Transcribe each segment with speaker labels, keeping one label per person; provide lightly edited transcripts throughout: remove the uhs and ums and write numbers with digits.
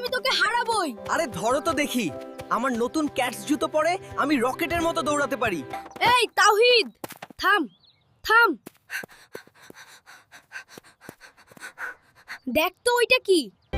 Speaker 1: আমি তোকে হারাবই।
Speaker 2: আরে ধরো তো দেখি, আমার নতুন ক্যাটস জুতো পরে আমি রকেটের মতো দৌড়াতে পারি।
Speaker 1: এই তাওহীদ, থাম থাম। দেখ তো ওইটা কি?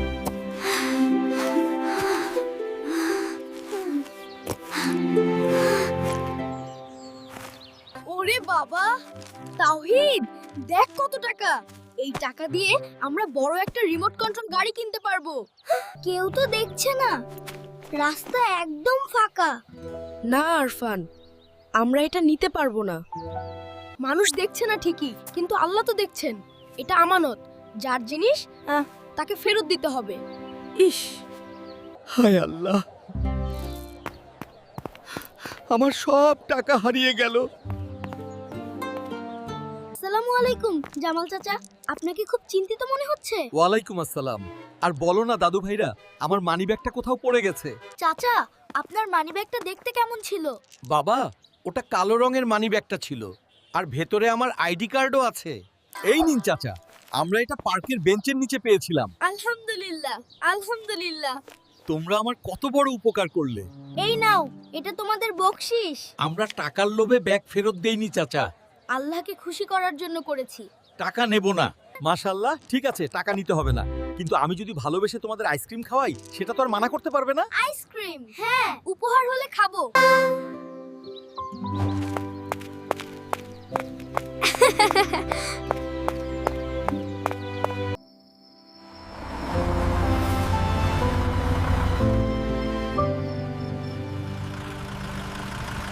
Speaker 1: ওরে বাবা, তাওহীদ দেখ কত টাকা। এই টাকা দিয়ে আমরা বড় একটা রিমোট কন্ট্রোল গাড়ি কিনতে পারবো।
Speaker 3: কেউ তো দেখছে না, রাস্তা একদম ফাঁকা।
Speaker 1: না আরফান, আমরা এটা নিতে পারবো না। মানুষ দেখছে না ঠিকই, কিন্তু আল্লাহ তো দেখছেন। এটা আমানত, যার জিনিস তাকে ফেরত দিতে হবে।
Speaker 2: ইস, হায় আল্লাহ, আমার সব টাকা হারিয়ে গেল।
Speaker 3: আসসালামু আলাইকুম জামাল চাচা, আপনাকে খুব চিন্তিত মনে হচ্ছে।
Speaker 4: ওয়ালাইকুম আসসালাম। আর বলো না দাদু ভাইরা, আমার মানিব্যাগটা কোথাও পড়ে গেছে।
Speaker 3: চাচা, আপনার মানিব্যাগটা দেখতে কেমন ছিল?
Speaker 4: বাবা, ওটা কালো রঙের মানিব্যাগটা ছিল, আর ভেতরে আমার আইডি কার্ডও আছে। এই নিন চাচা, আমরা এটা পার্কের বেঞ্চের নিচে পেয়েছিলাম।
Speaker 1: আলহামদুলিল্লাহ আলহামদুলিল্লাহ।
Speaker 4: তোমরা আমার কত বড় উপকার করলে।
Speaker 3: এই নাও, এটা তোমাদের বকশিশ।
Speaker 4: আমরা টাকার লোভে ব্যাগ ফেরত দেইনি চাচা,
Speaker 1: আল্লাহকে খুশি করার জন্য করেছি।
Speaker 4: টাকা নেব না। মাশাআল্লাহ, ঠিক আছে, টাকা নিতে হবে না, কিন্তু আমি যদি ভালোবেসে তোমাদের আইসক্রিম খাওয়াই, সেটা তো আর মানা করতে পারবে না।
Speaker 1: আইসক্রিম, হ্যাঁ, উপহার হলে খাবো।